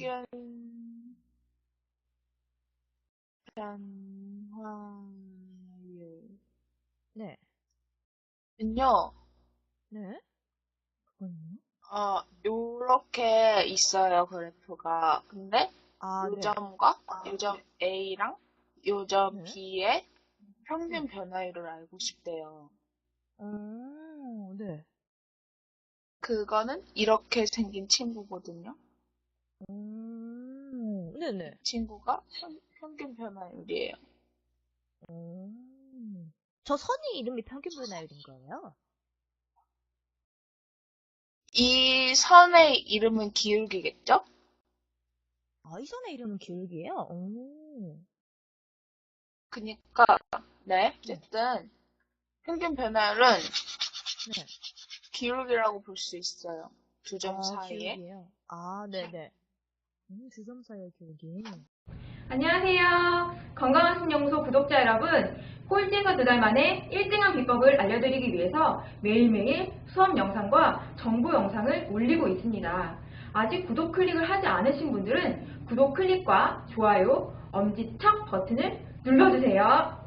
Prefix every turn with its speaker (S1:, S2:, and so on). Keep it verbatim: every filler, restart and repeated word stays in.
S1: 평균 변화율은요,
S2: 네. 네. 그건요?
S1: 어, 요렇게 있어요, 그래프가. 근데
S2: 아, 네.
S1: 요점과 요점 A랑 요점
S2: 네.
S1: B의
S2: 네.
S1: 평균 변화율을 알고 싶대요.
S2: 어, 네.
S1: 그거는 이렇게 생긴 친구거든요.
S2: 음,
S1: 이
S2: 네네.
S1: 친구가 평, 평균 변화율이에요.
S2: 음. 저 선이 이름이 평균 분할인 거예요?
S1: 이 선의 이름은 기울기겠죠?
S2: 아, 이 선의 이름은 기울기예요? 오.
S1: 그니까, 네,
S2: 네.
S1: 어쨌든 평균 변화율은
S2: 네.
S1: 기울기라고 볼 수 있어요. 두 점
S2: 아,
S1: 사이에.
S2: 기울기예요. 아, 네네. 음, 주점 사이의 기울기.
S3: 안녕하세요. 건강한 신연구소 구독자 여러분, 꼴찌에서 두 달 만에 일 등한 비법을 알려드리기 위해서 매일매일 수업 영상과 정보 영상을 올리고 있습니다. 아직 구독 클릭을 하지 않으신 분들은 구독 클릭과 좋아요, 엄지척 버튼을 눌러주세요.